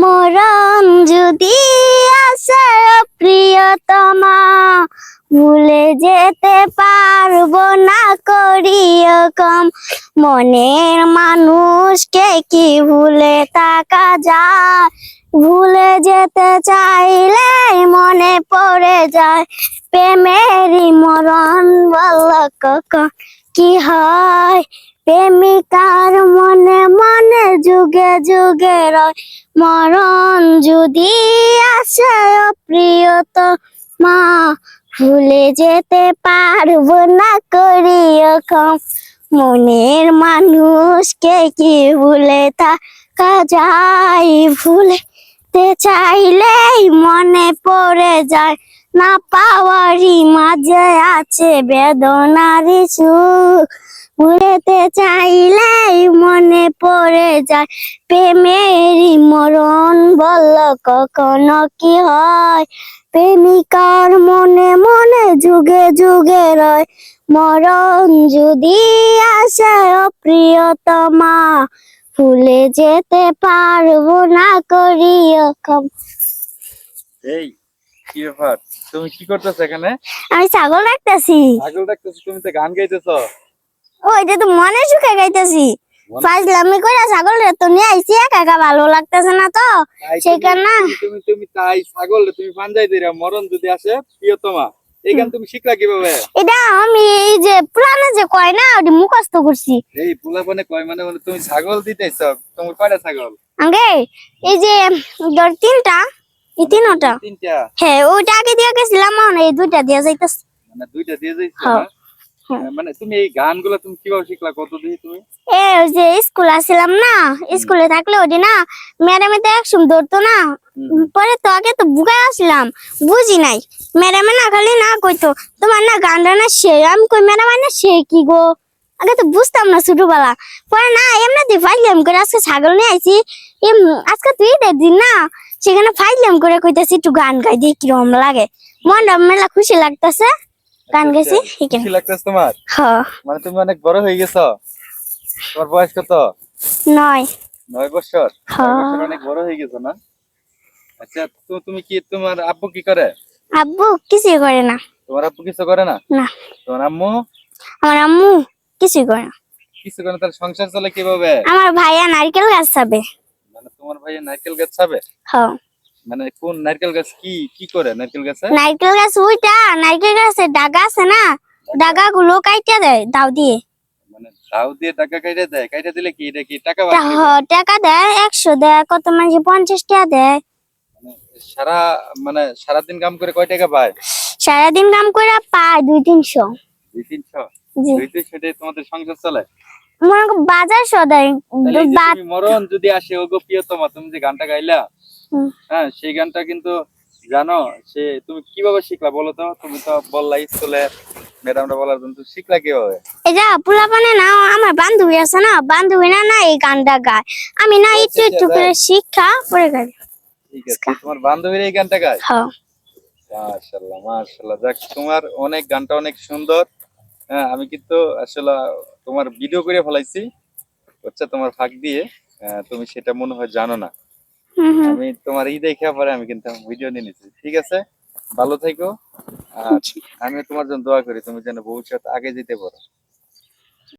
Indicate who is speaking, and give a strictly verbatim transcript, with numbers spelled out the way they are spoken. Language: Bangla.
Speaker 1: মরণ যদি আসে প্রিয়তমা, ভুলে যেতে পারবো না করিও কম। মনের মানুষকে কি ভুলে থাকা যায়, ভুলে যেতে চাইলে মনে পড়ে যায়। প্রেমেরই মরণ বল কখন কি হয়, প্রেমিকার মনে মনে যুগে যুগে রয়। মরণ যদি আসে প্রিয়তমা, ভুলে যেতে পারবো না করিও কম। মনের মানুষকে কি ভুলে থাকা যায়, ভুলতে চাইলেই মনে পড়ে যায়। না পাওয়ারই মাঝে আছে বেদনারই সুখ, ভুলতে চাইলেই মনে পড়ে যায়। প্রেমেরই মরণ বল কখনো কি হয়, প্রেমিকার মনে মনে যুগে যুগে রয়। মরণ যদি আসে প্রিয়তমা, ভুলে যেতে পারবো না করিও কম।
Speaker 2: এই কি ব্যাপার, তুমি কি করতেছ এখানে?
Speaker 1: আমি ছাগল রাখতেছি।
Speaker 2: ছাগল রাখতেছ? তুমি তো গান গাইতেছো।
Speaker 1: ওইটা তো মনে সুখে গাইতেছি। ফাজলামি কইরা ছাগল রে তো নিয়ে আইছি, একা একা ভালো লাগতেছে না তো সেখানে।
Speaker 2: তুমি তুমি তাই ছাগল তুমি পাঞ্জাই দিরা, মরণ যদি আসে প্রিয়তমা, এই গান তুমি শিখলা কিভাবে?
Speaker 1: এটা আমি এই যে পুরানো যে কয় না ওটি মুখস্থ করছি।
Speaker 2: এই পুলাপনে কয় মানে মানে তুমি ছাগল দিতেছ? তোমার কয়টা ছাগল?
Speaker 1: আগে এই যে ধর তিনটা, এই তিনটা।
Speaker 2: তিনটা?
Speaker 1: হ্যাঁ, ওইটা আগে দিয়ে গেছিলাম, এখন এই দুইটা দিয়ে যাইতাছি।
Speaker 2: মানে দুইটা দিয়ে যাইছো না? মানে তুমি এই গানগুলো তুমি কিভাবে শিখলা, কত দিয়ে তুমি?
Speaker 1: এ ওই যে স্কুল আসছিলাম না, স্কুলে থাকলে ওটি না ম্যাডামে তো একসময় ধরতো না, পরে তো আগে তো বুঝাই আসলাম, বুঝি নাই। ম্যাডামে না খালি না কইতো তোমার না গানটা না সে, আমি কই ম্যাডাম না সে কি গো, আগে তো বুঝতাম না ছোটবেলা। পরে না এমনিতে ফাইলাম করে আজকে ছাগল নিয়ে আইছি, আজকে তুই ঈদের দিন না, সেখানে ফাইলাম করে কইতাছি একটু গান গাই দিয়ে কিরকম লাগে, মনটা মেলা খুশি লাগতেছে, গান গাইছি।
Speaker 2: খুশি লাগতেছে তোমার?
Speaker 1: হ্যাঁ।
Speaker 2: মানে তুমি অনেক বড় হয়ে গেছো। তোমার বয়স কত?
Speaker 1: নয়।
Speaker 2: নয় বছর?
Speaker 1: হ্যাঁ।
Speaker 2: নয় বছর অনেক বড় হয়ে গেছো না? আচ্ছা, তো তুমি কি, তোমার আব্বু কি করে?
Speaker 1: আব্বু কিছু করে না।
Speaker 2: তোমার আব্বু কিছু করে না?
Speaker 1: না।
Speaker 2: তোমার আম্মু?
Speaker 1: আমার আম্মু কিছু করে না।
Speaker 2: কিছু করে না? তার সংসার চলে কিভাবে?
Speaker 1: আমার ভাইয়া নারকেল গাছ ছাবে।
Speaker 2: মানে তোমার ভাইয়া নারকেল গাছ ছাবে?
Speaker 1: হ্যাঁ।
Speaker 2: মানে কোন নারকেল গাছ, কি কি করে নারকেল গাছে?
Speaker 1: নারকেল গাছ ওইটা, নারকেল গাছের ডাগা আছে না, ডাগা গুলো কাইটা দেয় দাও দিয়ে।
Speaker 2: মানে দাও দিয়ে টাকা কাইটা দেয়? কাইটা দিলে কি এটা কি টাকা পায়?
Speaker 1: টাকা দেয়, একশো দেয়, কত মানুষ পঞ্চাশ টাকা দেয়।
Speaker 2: মানে সারা মানে সারাদিন কাম করে কয় টাকা পায়?
Speaker 1: সারাদিন কাম করে পায় দুই তিনশো।
Speaker 2: দুই তিনশো?
Speaker 1: জি।
Speaker 2: দুই তিনশো দিয়ে তোমাদের সংসার চলে?
Speaker 1: মনে করো বাজার সদাই।
Speaker 2: তুমি মরণ যদি আসে ওগো প্রিয়তমা, তুমি যে গানটা গাইলা, হ্যাঁ সেই গানটা কিন্তু জানো সে তুমি কিভাবে শিখলা বলো তো? তুমি তো বললা স্কুলে ম্যাডামরা বলার জন্য, তুমি শিখলা কিভাবে?
Speaker 1: এটা পোলাপানে না, আমার বান্ধবী আছে না, বান্ধবী না না এই গানটা গায়, আমি না একটু একটু করে শিক্ষা পরে গাই।
Speaker 2: ঠিক আছে, তোমার বান্ধবীর এই গানটা গায়?
Speaker 1: হ্যাঁ।
Speaker 2: মাশাআল্লাহ মাশাআল্লাহ, যাক তোমার অনেক গানটা অনেক সুন্দর। হ্যাঁ, আমি কিন্তু আসলে তোমার ভিডিও করে ফেলাইছি, হচ্ছে তোমার ফাঁক দিয়ে, তুমি সেটা মনে হয় জানো না। আমি তোমার ই দেখে পরে আমি কিন্তু ভিডিও নিয়ে নিচ্ছি। ঠিক আছে, ভালো থেকো, আর আমি তোমার জন্য দোয়া করি তুমি যেন ভবিষ্যৎ আগে যেতে পারো।